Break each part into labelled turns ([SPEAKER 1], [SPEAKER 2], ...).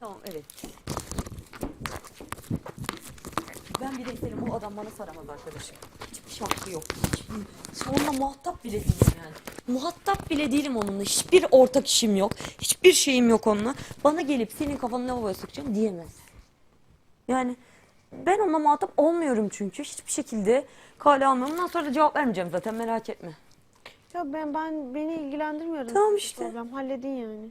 [SPEAKER 1] Tamam, evet. Ben bir de isterim, bu adam bana saramaz arkadaşım. Hiçbir şartı yok. Onunla muhatap bile değilim yani. Muhatap bile değilim onunla. Hiçbir ortak işim yok. Hiçbir şeyim yok onunla. Bana gelip senin kafanı lavaboya sokacağım diyemez. Yani ben onunla muhatap olmuyorum çünkü. Hiçbir şekilde kale almıyorum. Ondan sonra da cevap vermeyeceğim zaten, merak etme.
[SPEAKER 2] Ya beni ilgilendirmiyor.
[SPEAKER 1] Tamam işte.
[SPEAKER 2] Problem. Halledin yani.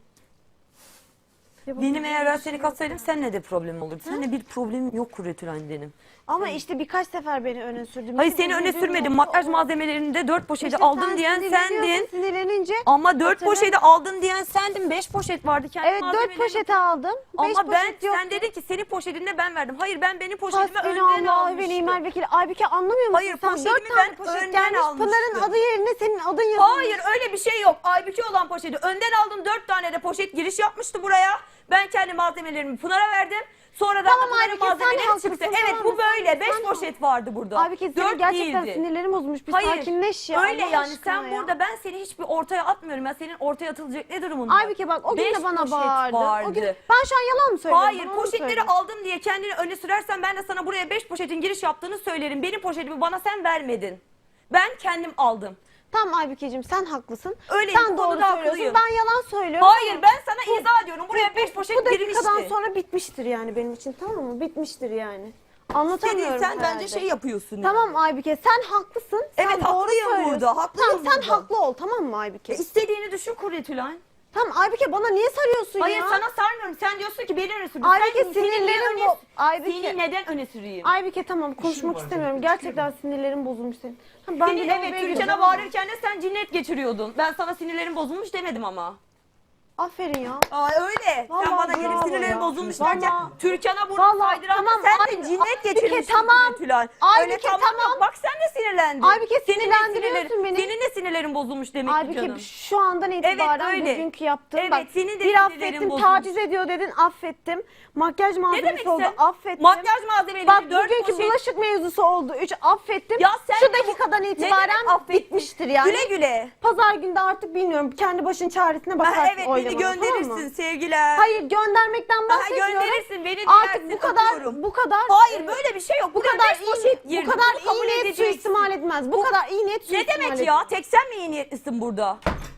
[SPEAKER 1] Benim eğer ben seni katsaydım seninle de problem olurdu. Seninle bir problemim yok Kuretülen benim.
[SPEAKER 2] Ama işte birkaç sefer beni öne sürdün.
[SPEAKER 1] Hayır, seni öne sürmedim. Makyaj malzemelerinde 4 poşeti aldın diyen sendin.
[SPEAKER 2] Sinirlenince.
[SPEAKER 1] Ama 4 poşeti aldın diyen sendin. 5 poşet vardı kendi
[SPEAKER 2] Evet 4 poşeti aldım. 5
[SPEAKER 1] Ama
[SPEAKER 2] poşet yok.
[SPEAKER 1] sen dedin ki senin poşetinde ben verdim. Hayır, ben benim poşetimi önden
[SPEAKER 2] Hasbinallah ve
[SPEAKER 1] almıştım.
[SPEAKER 2] ni'mel vekil. Aybüke anlamıyor musun?
[SPEAKER 1] Hayır,
[SPEAKER 2] sen
[SPEAKER 1] poşetimi
[SPEAKER 2] 4 tane
[SPEAKER 1] ben
[SPEAKER 2] poşet
[SPEAKER 1] önden
[SPEAKER 2] gelmiş.
[SPEAKER 1] almıştım.
[SPEAKER 2] Pınar'ın adı yerine senin adın yazılmış.
[SPEAKER 1] Hayır, öyle bir şey yok. Aybüke olan poşeti önden aldım. 4 tane de poşet giriş yapmıştı buraya. Ben kendi malzemelerimi Pınar'a verdim. Sonra da
[SPEAKER 2] Tamam
[SPEAKER 1] Pınar'ın
[SPEAKER 2] Aybüke, sen
[SPEAKER 1] malzemeleri
[SPEAKER 2] haklısın,
[SPEAKER 1] çıktı.
[SPEAKER 2] tamam
[SPEAKER 1] Evet,
[SPEAKER 2] mı?
[SPEAKER 1] bu böyle. 5
[SPEAKER 2] Sen
[SPEAKER 1] poşet vardı burada.
[SPEAKER 2] Aybüke senin
[SPEAKER 1] 4
[SPEAKER 2] gerçekten
[SPEAKER 1] değildi.
[SPEAKER 2] sinirlerin bozulmuş. Bir
[SPEAKER 1] Hayır,
[SPEAKER 2] sakinleş ya.
[SPEAKER 1] öyle
[SPEAKER 2] Allah
[SPEAKER 1] yani
[SPEAKER 2] aşkına
[SPEAKER 1] sen
[SPEAKER 2] ya.
[SPEAKER 1] burada, ben seni hiçbir ortaya atmıyorum. Ya senin ortaya atılacak ne durumun var?
[SPEAKER 2] Aybüke bak o gün
[SPEAKER 1] 5
[SPEAKER 2] de bana
[SPEAKER 1] poşet
[SPEAKER 2] bağırdın.
[SPEAKER 1] vardı.
[SPEAKER 2] O gün, ben şu an yalan mı söylüyorum?
[SPEAKER 1] Hayır,
[SPEAKER 2] Bana onu
[SPEAKER 1] poşetleri
[SPEAKER 2] söyle.
[SPEAKER 1] aldım diye kendini öne sürersen ben de sana buraya 5 poşetin giriş yaptığını söylerim. Benim poşetimi bana sen vermedin. Ben kendim aldım.
[SPEAKER 2] Tamam Aybükeciğim sen haklısın.
[SPEAKER 1] Öyle,
[SPEAKER 2] sen
[SPEAKER 1] bu
[SPEAKER 2] doğru
[SPEAKER 1] konuda
[SPEAKER 2] söylüyorsun.
[SPEAKER 1] haklıyım.
[SPEAKER 2] Ben yalan söylüyorum.
[SPEAKER 1] Hayır, ben sana izah ediyorum. Buraya 5 poşet
[SPEAKER 2] Bu
[SPEAKER 1] girmişti.
[SPEAKER 2] dakikadan sonra bitmiştir yani benim için, tamam mı? Bitmiştir yani. Anlatamıyorum
[SPEAKER 1] Sen
[SPEAKER 2] herhalde.
[SPEAKER 1] bence şey yapıyorsun. yani.
[SPEAKER 2] Tamam Aybüke sen haklısın. Sen
[SPEAKER 1] Evet,
[SPEAKER 2] doğru
[SPEAKER 1] haklıyım
[SPEAKER 2] söylüyorsun.
[SPEAKER 1] burada, haklıyım
[SPEAKER 2] Tamam sen
[SPEAKER 1] burada.
[SPEAKER 2] haklı ol, tamam mı Aybüke?
[SPEAKER 1] İstediğini düşün Kuretülen.
[SPEAKER 2] Tamam Aybüke bana niye sarıyorsun
[SPEAKER 1] Hayır,
[SPEAKER 2] ya?
[SPEAKER 1] sana sarmıyorum. Sen diyorsun ki beni öne sürdün.
[SPEAKER 2] Aybüke,
[SPEAKER 1] Sen seni niye
[SPEAKER 2] sinirlerim
[SPEAKER 1] öne-
[SPEAKER 2] bu. Aybüke.
[SPEAKER 1] Seni neden öne süreyim?
[SPEAKER 2] Aybüke tamam konuşmak istemiyorum. Gerçekten sinirlerim bozulmuş senin. Ha, ben
[SPEAKER 1] Seni,
[SPEAKER 2] de
[SPEAKER 1] evet,
[SPEAKER 2] lavaboya
[SPEAKER 1] Türkan'a
[SPEAKER 2] gireceğim.
[SPEAKER 1] bağırırken de sen cinnet geçiriyordun. Ben sana sinirlerim bozulmuş demedim ama.
[SPEAKER 2] Aferin ya.
[SPEAKER 1] Aa, öyle. Sen
[SPEAKER 2] Vallahi
[SPEAKER 1] bana gelip
[SPEAKER 2] bravo
[SPEAKER 1] sinirlerim
[SPEAKER 2] ya.
[SPEAKER 1] bozulmuş
[SPEAKER 2] Vallahi.
[SPEAKER 1] derken Türkan'a burada
[SPEAKER 2] Vallahi
[SPEAKER 1] saydıran
[SPEAKER 2] tamam,
[SPEAKER 1] sen de
[SPEAKER 2] Aybüke,
[SPEAKER 1] cinnet geçirmişsin
[SPEAKER 2] tamam.
[SPEAKER 1] Kuretülen. Öyle
[SPEAKER 2] Aybüke,
[SPEAKER 1] tamam,
[SPEAKER 2] tamam.
[SPEAKER 1] yok. Bak sen de sinirlendin.
[SPEAKER 2] Aybüke,
[SPEAKER 1] Senin de
[SPEAKER 2] sinirlendiriyorsun beni.
[SPEAKER 1] Senin de sinirlerin bozulmuş demek ki
[SPEAKER 2] Aybüke
[SPEAKER 1] canım.
[SPEAKER 2] şu andan itibaren
[SPEAKER 1] öyle.
[SPEAKER 2] bugünkü yaptığım
[SPEAKER 1] Evet,
[SPEAKER 2] bak
[SPEAKER 1] senin de
[SPEAKER 2] bir
[SPEAKER 1] sinirlerin
[SPEAKER 2] affettim,
[SPEAKER 1] bozulmuş.
[SPEAKER 2] taciz ediyor dedin, affettim. Makyaj
[SPEAKER 1] Ne
[SPEAKER 2] malzemesi
[SPEAKER 1] demek
[SPEAKER 2] oldu,
[SPEAKER 1] sen?
[SPEAKER 2] affettim.
[SPEAKER 1] Makyaj malzemeleri
[SPEAKER 2] Bak
[SPEAKER 1] 4
[SPEAKER 2] bugünkü
[SPEAKER 1] poşet.
[SPEAKER 2] bulaşık mevzusu oldu, 3 affettim.
[SPEAKER 1] Ya sen
[SPEAKER 2] şu
[SPEAKER 1] de bu-
[SPEAKER 2] dakikadan
[SPEAKER 1] Ne demek
[SPEAKER 2] itibaren
[SPEAKER 1] affettin?
[SPEAKER 2] bitmiştir yani.
[SPEAKER 1] Güle güle.
[SPEAKER 2] Pazar günde artık bilmiyorum, kendi başın çaresine
[SPEAKER 1] Ha,
[SPEAKER 2] bakarsın
[SPEAKER 1] evet, beni
[SPEAKER 2] oylamana,
[SPEAKER 1] gönderirsin
[SPEAKER 2] tamam mı?
[SPEAKER 1] sevgiler.
[SPEAKER 2] Hayır göndermekten
[SPEAKER 1] Ha,
[SPEAKER 2] bahsetmiyorum.
[SPEAKER 1] gönderirsin, beni
[SPEAKER 2] Artık
[SPEAKER 1] dilersin,
[SPEAKER 2] bu kadar
[SPEAKER 1] öpüyorum.
[SPEAKER 2] bu kadar
[SPEAKER 1] Hayır, böyle bir şey yok.
[SPEAKER 2] bu
[SPEAKER 1] Buraya
[SPEAKER 2] kadar
[SPEAKER 1] 5 poşet
[SPEAKER 2] iyi
[SPEAKER 1] girdi.
[SPEAKER 2] bu kadar
[SPEAKER 1] Bunu kabul
[SPEAKER 2] iyi niyet
[SPEAKER 1] edeceksin.
[SPEAKER 2] suistimal etmez. Bu kadar iyi niyet
[SPEAKER 1] Ne
[SPEAKER 2] suistimal
[SPEAKER 1] demek
[SPEAKER 2] etmez.
[SPEAKER 1] ya? Tek sen mi iyi niyetlisin burada?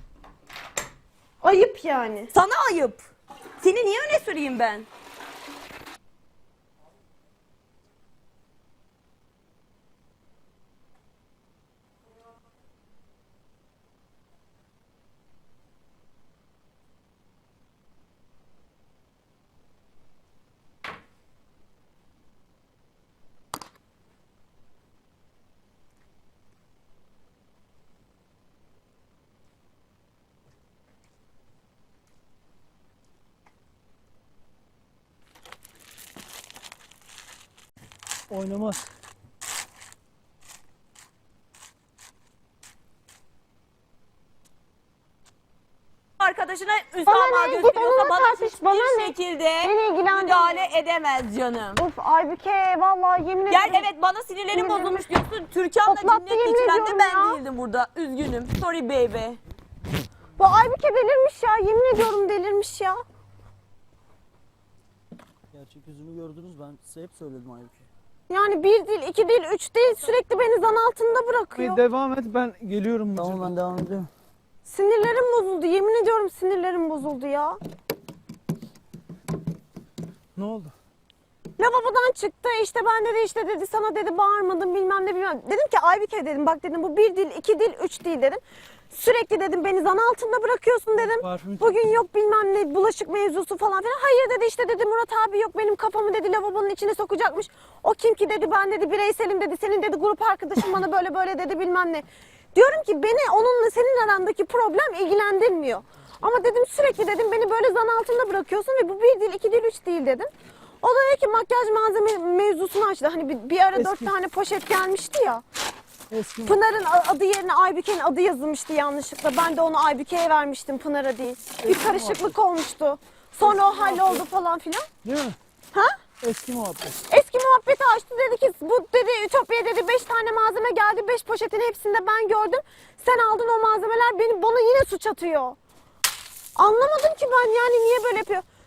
[SPEAKER 2] Ayıp yani.
[SPEAKER 1] Sana ayıp. Seni niye öne süreyim ben?
[SPEAKER 3] Oynamaz.
[SPEAKER 1] Arkadaşına
[SPEAKER 2] Bana
[SPEAKER 1] Üsama
[SPEAKER 2] ne? Git
[SPEAKER 1] gösteriyorsa
[SPEAKER 2] onunla
[SPEAKER 1] bana
[SPEAKER 2] tartış, bana
[SPEAKER 1] hiçbir
[SPEAKER 2] ne?
[SPEAKER 1] şekilde
[SPEAKER 2] Beni ilgilendirmiyor.
[SPEAKER 1] müdahale edemez canım.
[SPEAKER 2] Of Aybüke vallahi yemin
[SPEAKER 1] Gel,
[SPEAKER 2] ederim.
[SPEAKER 1] evet, bana sinirlerim
[SPEAKER 2] Sinirlerim-
[SPEAKER 1] bozulmuş diyorsun. Türkan'la
[SPEAKER 2] Toplattı,
[SPEAKER 1] cinnet
[SPEAKER 2] yemin
[SPEAKER 1] geçiren de
[SPEAKER 2] ediyorum
[SPEAKER 1] ben
[SPEAKER 2] ya.
[SPEAKER 1] değildim burada. Üzgünüm. Sorry baby.
[SPEAKER 2] Bu Aybüke delirmiş ya, yemin ediyorum delirmiş ya.
[SPEAKER 3] Gerçek yüzünü gördünüz, ben size hep söyledim Aybüke.
[SPEAKER 2] Yani bir değil, iki değil, üç değil, sürekli beni zan altında bırakıyor.
[SPEAKER 4] Devam et, ben geliyorum.
[SPEAKER 3] Tamam, ben devam ediyorum.
[SPEAKER 2] Sinirlerim bozuldu, yemin ediyorum sinirlerim bozuldu ya.
[SPEAKER 4] Ne oldu?
[SPEAKER 2] Lavabodan çıktı, işte ben dedi, işte dedi sana dedi bağırmadım bilmem ne bilmem. Dedim ki Aybüke dedim, bak dedim bu bir değil, iki değil, üç değil dedim. Sürekli dedim beni zan altında bırakıyorsun dedim.
[SPEAKER 4] Parfüm
[SPEAKER 2] Bugün yok bilmem ne bulaşık mevzusu falan filan. Hayır dedi, işte dedi Murat abi yok benim kafamı dedi lavabonun içine sokacakmış. O kim ki dedi, ben dedi bireyselim dedi, senin dedi grup arkadaşın bana böyle böyle dedi bilmem ne. Diyorum ki beni onunla senin arandaki problem ilgilendirmiyor. Ama dedim sürekli dedim beni böyle zan altında bırakıyorsun ve bu bir değil, iki değil, üç değil dedim. O da dedi ki makyaj malzeme mevzusunu açtı. Hani bir ara 4 tane poşet gelmişti ya.
[SPEAKER 3] Eski
[SPEAKER 2] Pınar'ın adı yerine Aybüke'nin adı yazılmıştı yanlışlıkla. Ben de onu Aybüke'ye vermiştim, Pınar'a değil. Bir karışıklık olmuştu. Sonra o halloldu falan filan.
[SPEAKER 3] değil mi?
[SPEAKER 2] Ha?
[SPEAKER 3] Eski muhabbet.
[SPEAKER 2] Eski muhabbeti açtı, dedi ki bu dedi Ütopya dedi 5 tane malzeme geldi. 5 poşetin hepsinde ben gördüm. Sen aldın o malzemeler, bana yine suç atıyor. Anlamadım ki ben yani niye böyle yapıyor.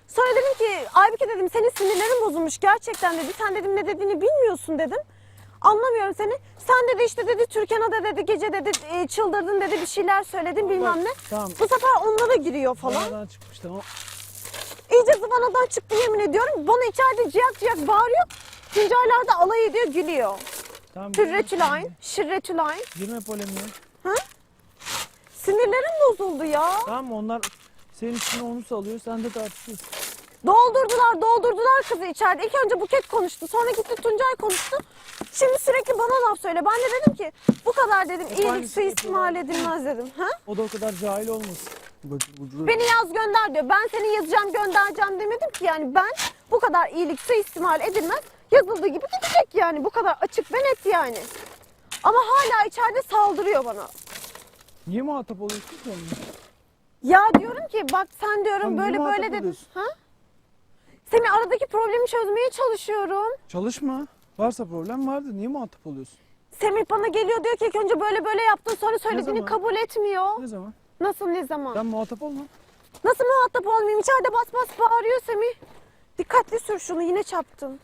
[SPEAKER 2] Sonra dedim ki Aybüke dedim senin sinirlerin bozulmuş gerçekten dedi. Sen dedim ne dediğini bilmiyorsun dedim. Anlamıyorum seni. Sen dedi işte dedi Türkan'a da dedi gece dedi çıldırdın dedi bir şeyler söyledin bilmem ne.
[SPEAKER 3] Tamam.
[SPEAKER 2] Bu sefer onlara giriyor falan.
[SPEAKER 3] Aradan çıkmış tamam.
[SPEAKER 2] İyice zıvanadan çıktı yemin ediyorum. Bana içeride ciyak ciyak bağırıyor. Tuncaylar da alay ediyor gülüyor.
[SPEAKER 3] Tamam.
[SPEAKER 2] Türretülayn, şirretülayn.
[SPEAKER 3] Girme polemiğe.
[SPEAKER 2] Sinirlerim bozuldu ya.
[SPEAKER 3] Tamam onlar senin için onu salıyor sen de tartışıyorsun.
[SPEAKER 2] Doldurdular kızı içeride. İlk önce Buket konuştu. Sonra gitti Tuncay konuştu. Şimdi sürekli bana laf söyle. Ben de dedim ki bu kadar dedim iyilik
[SPEAKER 3] aynısı
[SPEAKER 2] suistimal edilmez dedim. Ha?
[SPEAKER 3] O da o kadar cahil olmasın.
[SPEAKER 2] Beni yaz gönder diyor. Ben seni yazacağım göndereceğim demedim ki yani ben bu kadar iyilik suistimal edilmez. Yazıldığı gibi gidecek yani. Bu kadar açık ve net yani. Ama hala içeride saldırıyor bana.
[SPEAKER 3] Niye muhatap oluyorsun ki onunla?
[SPEAKER 2] Ya diyorum ki bak sen diyorum
[SPEAKER 3] Tamam,
[SPEAKER 2] böyle
[SPEAKER 3] niye
[SPEAKER 2] böyle
[SPEAKER 3] muhatap
[SPEAKER 2] dedin.
[SPEAKER 3] oluyorsun?
[SPEAKER 2] Ha? Senin aradaki problemi çözmeye çalışıyorum.
[SPEAKER 3] Çalışma. Varsa problem vardır. Niye muhatap oluyorsun?
[SPEAKER 2] Semih bana geliyor diyor ki ilk önce böyle böyle yaptın sonra söylediğini
[SPEAKER 3] zaman?
[SPEAKER 2] kabul etmiyor.
[SPEAKER 3] Ne zaman?
[SPEAKER 2] Nasıl ne zaman?
[SPEAKER 3] Sen muhatap olma.
[SPEAKER 2] Nasıl muhatap olmayayım? İçeride bas bas bağırıyor Semih. Dikkatli sür şunu yine çarptın.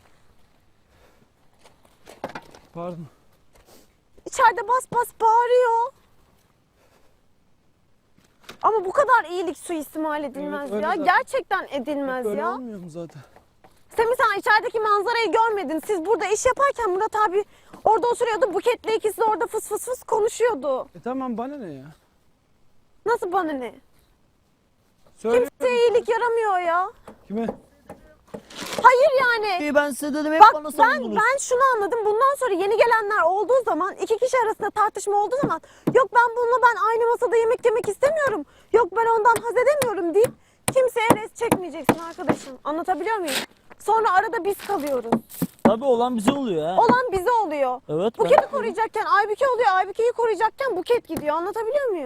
[SPEAKER 3] Pardon.
[SPEAKER 2] İçeride bas bas bağırıyor. Ama bu kadar iyilik suistimal edilmez
[SPEAKER 3] Evet, öyle
[SPEAKER 2] ya.
[SPEAKER 3] zaten.
[SPEAKER 2] Gerçekten edilmez
[SPEAKER 3] Öyle
[SPEAKER 2] ya.
[SPEAKER 3] olmuyor mu zaten?
[SPEAKER 2] Semih sen içerideki manzarayı görmedin. Siz burada iş yaparken Murat abi orada oturuyordu. Buket'le ikisi de orada fıs fıs fıs konuşuyordu.
[SPEAKER 3] Tamam bana ne ya?
[SPEAKER 2] Nasıl bana ne?
[SPEAKER 3] Söyle.
[SPEAKER 2] Kimseye iyilik yaramıyor ya.
[SPEAKER 3] Kime?
[SPEAKER 2] Hayır yani.
[SPEAKER 5] Ben size dedim hep
[SPEAKER 2] Bak
[SPEAKER 5] bana
[SPEAKER 2] ben
[SPEAKER 5] savundunuz.
[SPEAKER 2] şunu anladım. Bundan sonra yeni gelenler olduğu zaman iki kişi arasında tartışma olduğu zaman yok ben aynı masada yemek yemek istemiyorum. Yok ben ondan haz edemiyorum deyip kimseye res çekmeyeceksin arkadaşım. Anlatabiliyor muyum? Sonra arada biz kalıyoruz.
[SPEAKER 5] Tabii olan bize oluyor ha.
[SPEAKER 2] Olan bize oluyor.
[SPEAKER 5] Evet.
[SPEAKER 2] Buket'i koruyacakken Aybüke oluyor. Aybüke'yi koruyacakken Buket gidiyor. Anlatabiliyor muyum?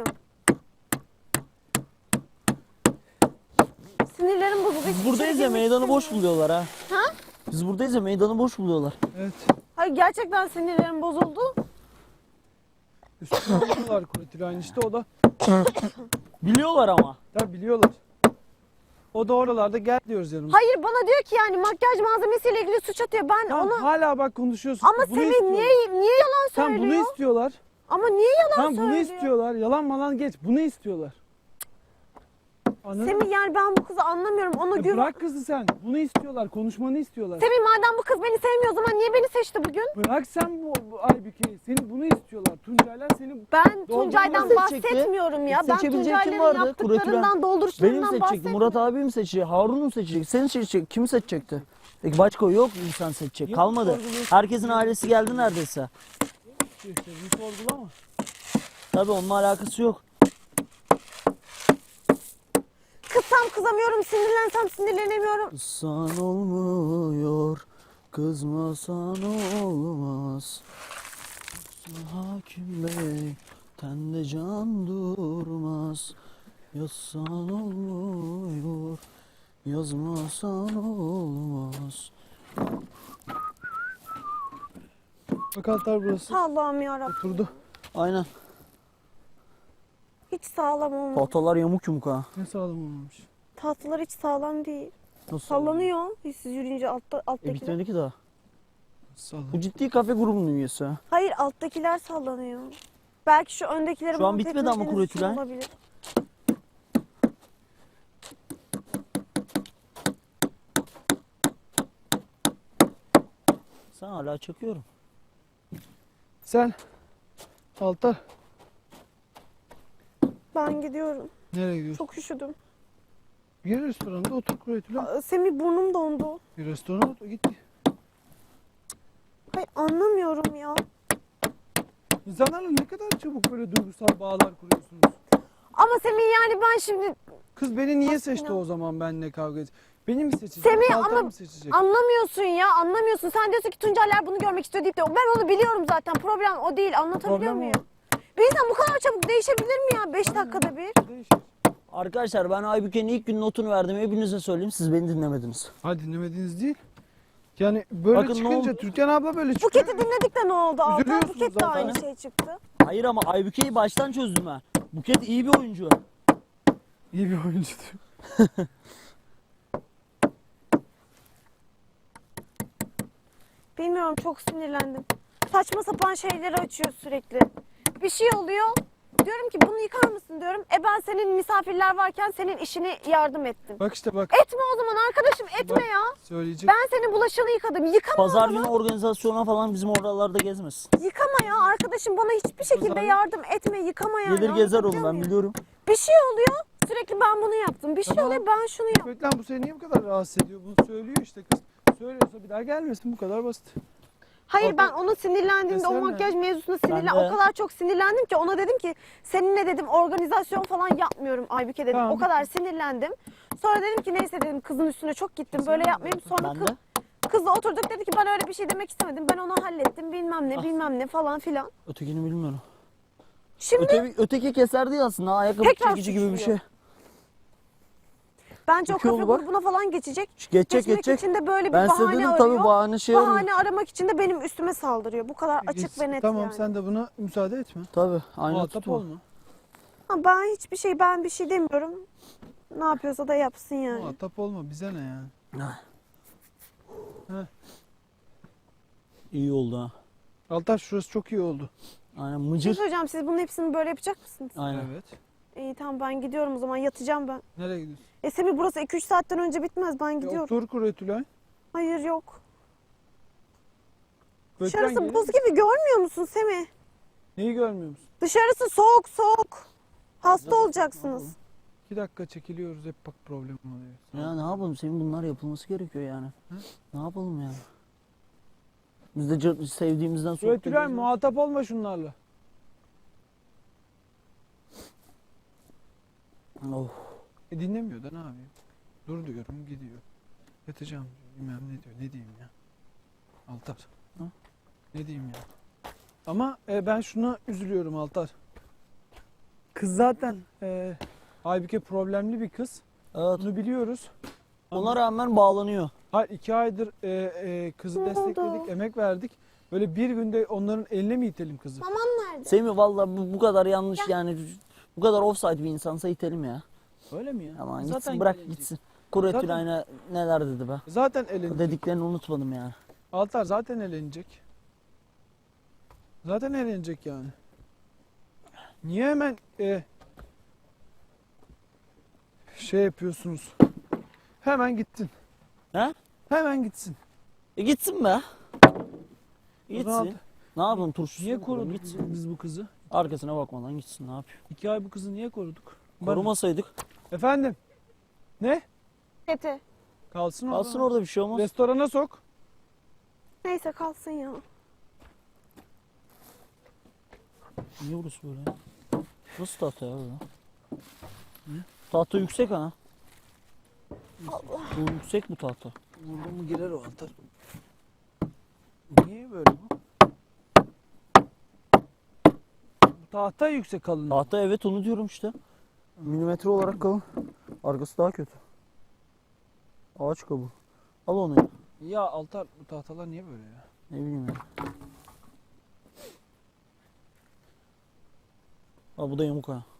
[SPEAKER 2] Sinirlerim bozuldu.
[SPEAKER 5] Biz
[SPEAKER 2] Hiç
[SPEAKER 5] buradayız
[SPEAKER 2] içeri
[SPEAKER 5] ya
[SPEAKER 2] girmek
[SPEAKER 5] meydanı boş
[SPEAKER 2] istemiyorum.
[SPEAKER 5] buluyorlar ha.
[SPEAKER 2] Ha?
[SPEAKER 5] Biz buradayız ya meydanı boş buluyorlar.
[SPEAKER 3] Evet.
[SPEAKER 2] Hayır gerçekten sinirlerim bozuldu.
[SPEAKER 3] Üstüne alıyorlar Kuretülayn işte o da.
[SPEAKER 5] Biliyorlar ama.
[SPEAKER 3] Tabii biliyorlar. O da oralarda gel diyoruz yanımıza.
[SPEAKER 2] Hayır bana diyor ki yani makyaj malzemesiyle ilgili suç atıyor. Ben
[SPEAKER 3] Tamam,
[SPEAKER 2] ona
[SPEAKER 3] hala bak konuşuyorsun.
[SPEAKER 2] ama
[SPEAKER 3] Bunu
[SPEAKER 2] Semih
[SPEAKER 3] istiyorlar.
[SPEAKER 2] niye yalan
[SPEAKER 3] Tamam
[SPEAKER 2] söylüyor?
[SPEAKER 3] bunu istiyorlar.
[SPEAKER 2] Ama niye yalan
[SPEAKER 3] Tamam bunu
[SPEAKER 2] söylüyor?
[SPEAKER 3] istiyorlar. Yalan malan geç. Bunu istiyorlar. Anladın mı?
[SPEAKER 2] Semih yani ben bu kızı anlamıyorum. Ona güven.
[SPEAKER 3] Bırak kızı sen. Bunu istiyorlar. Konuşmanı istiyorlar.
[SPEAKER 2] Semih madem bu kız beni sevmiyor o zaman niye beni seçti bugün?
[SPEAKER 3] Bırak sen bu Aybüke'yi. Seni bunu istiyorlar. Tuncaylar seni
[SPEAKER 2] Ben
[SPEAKER 3] Doldurma
[SPEAKER 2] Tuncay'dan
[SPEAKER 5] seçecekti.
[SPEAKER 2] bahsetmiyorum ya. Ben
[SPEAKER 5] Seçebileceği kim
[SPEAKER 2] Tuncay'ların
[SPEAKER 5] vardı?
[SPEAKER 2] yaptıklarından,
[SPEAKER 5] Benim mi
[SPEAKER 2] dolduruşlarından
[SPEAKER 5] seçecekti?
[SPEAKER 2] bahsetmiyorum.
[SPEAKER 5] Murat abi mi seçecek? Harun mu seçecek? Seni seçecek. Kimi seçecekti? Peki başka yok mu insan seçecek?
[SPEAKER 3] Yok,
[SPEAKER 5] Kalmadı.
[SPEAKER 3] sorguluyorsun.
[SPEAKER 5] Herkesin ailesi geldi neredeyse.
[SPEAKER 3] işte bunu sorgulama.
[SPEAKER 5] Tabii onunla alakası yok.
[SPEAKER 2] Kızsam kızamıyorum, sinirlensem sinirlenemiyorum.
[SPEAKER 5] Kızsan olmuyor, kızmasan olmaz. Hakim bey, tende can durmaz. Yazsan olmuyor, yazmasan olmaz.
[SPEAKER 3] Bak altar burası.
[SPEAKER 2] Allah'ım yarabbim.
[SPEAKER 3] Oturdu.
[SPEAKER 5] Aynen.
[SPEAKER 2] Hiç sağlam olmadı.
[SPEAKER 5] Tahtalar yamuk yumuk ha.
[SPEAKER 3] Ne sağlam olmamış.
[SPEAKER 2] Tahtalar hiç sağlam değil.
[SPEAKER 5] Nasıl?
[SPEAKER 2] Sallanıyor. Siz yürüyünce alttakiler.
[SPEAKER 5] Bitmedi ki daha.
[SPEAKER 3] Sağlam.
[SPEAKER 5] Bu ciddi kafe grubunun üyesi ha.
[SPEAKER 2] Hayır alttakiler sallanıyor. Belki şu öndekileri
[SPEAKER 5] Şu an
[SPEAKER 2] monte
[SPEAKER 5] bitmedi ama
[SPEAKER 2] etmediğiniz için
[SPEAKER 5] Kuretülen.
[SPEAKER 2] olabilir.
[SPEAKER 5] Sen hala çakıyorum.
[SPEAKER 3] Sen altar.
[SPEAKER 2] Ben gidiyorum.
[SPEAKER 3] Nereye gidiyorsun?
[SPEAKER 2] Çok üşüdüm.
[SPEAKER 3] Bir restoranda otur Kuretülayn.
[SPEAKER 2] Semih burnum dondu.
[SPEAKER 3] Bir restorana otur git.
[SPEAKER 2] Hayır anlamıyorum ya.
[SPEAKER 3] İnsanlarla ne kadar çabuk böyle duygusal bağlar kuruyorsunuz.
[SPEAKER 2] Ama Semih yani ben şimdi
[SPEAKER 3] Kız beni niye
[SPEAKER 2] Aslında-
[SPEAKER 3] seçti o zaman benimle kavga et? Beni mi seçecek?
[SPEAKER 2] Semih
[SPEAKER 3] Altar
[SPEAKER 2] ama
[SPEAKER 3] mı seçecek?
[SPEAKER 2] anlamıyorsun ya anlamıyorsun. Sen diyorsun ki Tuncerler bunu görmek istiyor deyip de ben onu biliyorum zaten. Problem o değil anlatabiliyor
[SPEAKER 3] Problem o.
[SPEAKER 2] muyum? Bir insan bu kadar çabuk değişebilir mi ya 5 dakikada bir?
[SPEAKER 3] Değişir.
[SPEAKER 5] Arkadaşlar ben Aybüke'nin ilk gün notunu verdim. Hepinize söyleyeyim. Siz beni dinlemediniz.
[SPEAKER 3] Ha dinlemediğiniz değil. Yani böyle
[SPEAKER 5] Bakın ne
[SPEAKER 3] çıkınca
[SPEAKER 5] oldu?
[SPEAKER 3] Türkan abla böyle çıkıyor.
[SPEAKER 2] Buket'i dinledik de ne oldu? Altan
[SPEAKER 3] Üzülüyorsunuz
[SPEAKER 2] Buket de
[SPEAKER 3] zaten.
[SPEAKER 2] aynı şey çıktı.
[SPEAKER 5] Hayır ama Aybüke'yi baştan çözdüm ben. Buket iyi bir oyuncu.
[SPEAKER 3] İyi bir oyuncu diyor.
[SPEAKER 2] Bilmiyorum, çok sinirlendim. Saçma sapan şeyleri açıyor sürekli. Bir şey oluyor. Diyorum ki bunu yıkar mısın diyorum. Ben senin misafirler varken senin işini yardım ettim.
[SPEAKER 3] Bak işte bak.
[SPEAKER 2] Etme o zaman arkadaşım, etme
[SPEAKER 3] Bak,
[SPEAKER 2] ya.
[SPEAKER 3] söyleyecek.
[SPEAKER 2] Ben senin bulaşığını yıkadım. Yıkama o
[SPEAKER 5] Pazar
[SPEAKER 2] zaman.
[SPEAKER 5] günü organizasyona falan bizim oralarda gezmesin.
[SPEAKER 2] Yıkama ya arkadaşım, bana hiçbir şekilde
[SPEAKER 3] Pazar-
[SPEAKER 2] yardım etme, yıkama ya.
[SPEAKER 5] Gelir gezer oğlum,
[SPEAKER 2] Anlatabiliyor
[SPEAKER 5] ben
[SPEAKER 2] muyum?
[SPEAKER 5] biliyorum.
[SPEAKER 2] Bir şey oluyor. Sürekli ben bunu yaptım. Bir şey
[SPEAKER 3] Tamam.
[SPEAKER 2] oluyor, ben şunu yaptım.
[SPEAKER 3] Beklen, bu seni niye bu kadar rahatsız ediyor? Bunu söylüyor işte kız. Söylüyorsa bir daha gelmesin, bu kadar basit.
[SPEAKER 2] Hayır,
[SPEAKER 3] Orada-
[SPEAKER 2] ben ona sinirlendiğimde, o
[SPEAKER 3] Desene.
[SPEAKER 2] makyaj mevzusuna
[SPEAKER 5] Ben de.
[SPEAKER 2] o kadar çok sinirlendim ki ona dedim ki seninle dedim organizasyon falan yapmıyorum Aybüke dedim.
[SPEAKER 3] Tamam,
[SPEAKER 2] O kadar sinirlendim. Sonra dedim ki neyse dedim, kızın üstüne çok gittim, böyle
[SPEAKER 3] Desene.
[SPEAKER 2] yapmayayım. Sonra
[SPEAKER 5] Ben de.
[SPEAKER 2] kızla oturduk, dedi ki ben öyle bir şey demek istemedim. Ben onu hallettim, bilmem ne
[SPEAKER 5] Ah.
[SPEAKER 2] bilmem ne falan filan.
[SPEAKER 5] Ötekini bilmiyorum.
[SPEAKER 2] Şimdi
[SPEAKER 5] Öteki keser değil aslında. Ayakkabı
[SPEAKER 2] Tekrar
[SPEAKER 5] çekici gibi bir şey.
[SPEAKER 2] suçluyor. bence o
[SPEAKER 5] Çok iyi
[SPEAKER 2] kafe
[SPEAKER 5] oldu bak.
[SPEAKER 2] grubuna falan geçecek.
[SPEAKER 5] Geçecek
[SPEAKER 2] Geçmek
[SPEAKER 5] geçecek.
[SPEAKER 2] için de böyle bir
[SPEAKER 5] Ben size
[SPEAKER 2] bahane
[SPEAKER 5] dedim
[SPEAKER 2] arıyor.
[SPEAKER 5] tabii, bahane şey arıyor.
[SPEAKER 2] Bahane aramak için de benim üstüme saldırıyor. Bu kadar açık
[SPEAKER 3] Geç-
[SPEAKER 2] ve net
[SPEAKER 3] Tamam,
[SPEAKER 2] yani.
[SPEAKER 3] sen de buna müsaade etme.
[SPEAKER 5] Tabii aynı
[SPEAKER 3] Muhatap
[SPEAKER 5] tutma.
[SPEAKER 3] olma.
[SPEAKER 2] Ha, ben bir şey demiyorum. Ne yapıyorsa da yapsın yani.
[SPEAKER 3] Muhatap olma, bize ne yani?
[SPEAKER 5] İyi oldu ha.
[SPEAKER 3] Altar, şurası çok iyi oldu.
[SPEAKER 5] Aynen,
[SPEAKER 2] Bir şey
[SPEAKER 5] mıcır.
[SPEAKER 2] söyleyeceğim, siz bunun hepsini böyle yapacak mısınız?
[SPEAKER 5] Aynen.
[SPEAKER 3] Evet.
[SPEAKER 2] İyi tamam, ben gidiyorum o zaman, yatacağım ben.
[SPEAKER 3] Nereye gidiyorsun?
[SPEAKER 2] Semih, burası 2-3 saatten önce bitmez, ben gidiyorum.
[SPEAKER 3] Otur Kuretülay.
[SPEAKER 2] Hayır yok.
[SPEAKER 3] Gökmen
[SPEAKER 2] Dışarısı
[SPEAKER 3] gelir
[SPEAKER 2] buz
[SPEAKER 3] misin?
[SPEAKER 2] gibi, görmüyor musun Semih?
[SPEAKER 3] Neyi görmüyor musun?
[SPEAKER 2] Dışarısı soğuk soğuk. Hasta olacaksınız.
[SPEAKER 3] 2 dakika çekiliyoruz, hep bak problem oluyor.
[SPEAKER 5] Ya ne yapalım, senin bunlar yapılması gerekiyor yani.
[SPEAKER 3] Hı?
[SPEAKER 5] Ne yapalım yani? Biz de sevdiğimizden soğuk
[SPEAKER 3] Kuretülay,
[SPEAKER 5] geliyoruz.
[SPEAKER 3] muhatap olma şunlarla.
[SPEAKER 5] Of.
[SPEAKER 3] Dinlemiyor da ne yapayım? Dur diyorum, gidiyor. Yatacağım diyor, bilmem ne diyor. Ne diyeyim ya? Altar.
[SPEAKER 5] Hı?
[SPEAKER 3] Ne diyeyim ya? Ama ben şuna üzülüyorum Altar. Kız zaten Aybüke problemli bir kız.
[SPEAKER 5] Evet.
[SPEAKER 3] Bunu biliyoruz.
[SPEAKER 5] Ona rağmen bağlanıyor.
[SPEAKER 3] Hayır, 2 aydır kızı
[SPEAKER 2] Ne
[SPEAKER 3] destekledik,
[SPEAKER 2] oldu?
[SPEAKER 3] emek verdik. Böyle bir günde onların eline mi itelim kızı?
[SPEAKER 2] Maman nerede?
[SPEAKER 5] Semih valla bu kadar yanlış yani. Bu kadar offside bir insansa itelim ya.
[SPEAKER 3] Öyle mi ya?
[SPEAKER 5] Aman
[SPEAKER 3] Zaten
[SPEAKER 5] gitsin, bırak
[SPEAKER 3] gelecek.
[SPEAKER 5] gitsin. Kuretül
[SPEAKER 3] Zaten-
[SPEAKER 5] aynı neler dedi be.
[SPEAKER 3] Zaten elenecek.
[SPEAKER 5] Dediklerini unutmadım yani.
[SPEAKER 3] Altar zaten elenecek. Zaten elenecek yani. Niye hemen şey yapıyorsunuz? Hemen gittin.
[SPEAKER 5] He?
[SPEAKER 3] Hemen gitsin.
[SPEAKER 5] Gitsin be.
[SPEAKER 3] O zaman
[SPEAKER 5] Gitsin. Ne yapalım, turşusu
[SPEAKER 3] niye
[SPEAKER 5] mu kuralım?
[SPEAKER 3] koruduk
[SPEAKER 5] Gitsin.
[SPEAKER 3] biz bu kızı?
[SPEAKER 5] Arkasına bakmadan gitsin, ne yapıyor?
[SPEAKER 3] 2 ay bu kızı niye koruduk?
[SPEAKER 5] Korumasaydık
[SPEAKER 3] Efendim? Ne?
[SPEAKER 2] Eti.
[SPEAKER 3] Kalsın orada.
[SPEAKER 5] kalsın orada, bir şey olmaz.
[SPEAKER 3] Restorana sok.
[SPEAKER 2] Neyse kalsın ya.
[SPEAKER 5] Niye burası böyle ya? Nasıl tahta ya böyle? Tahta yüksek ha. Bu yüksek bu tahta.
[SPEAKER 3] Burada mı girer o Altar? Niye böyle bu? Bu tahta yüksek kalın.
[SPEAKER 5] Tahta, evet, onu diyorum işte. Milimetre olarak kalın. Arkası daha kötü. Ağaç kabuğu. Al onu ya.
[SPEAKER 3] Ya Altar, bu tahtalar niye böyle ya?
[SPEAKER 5] Ne bileyim ya. Al, bu da yamuk ha.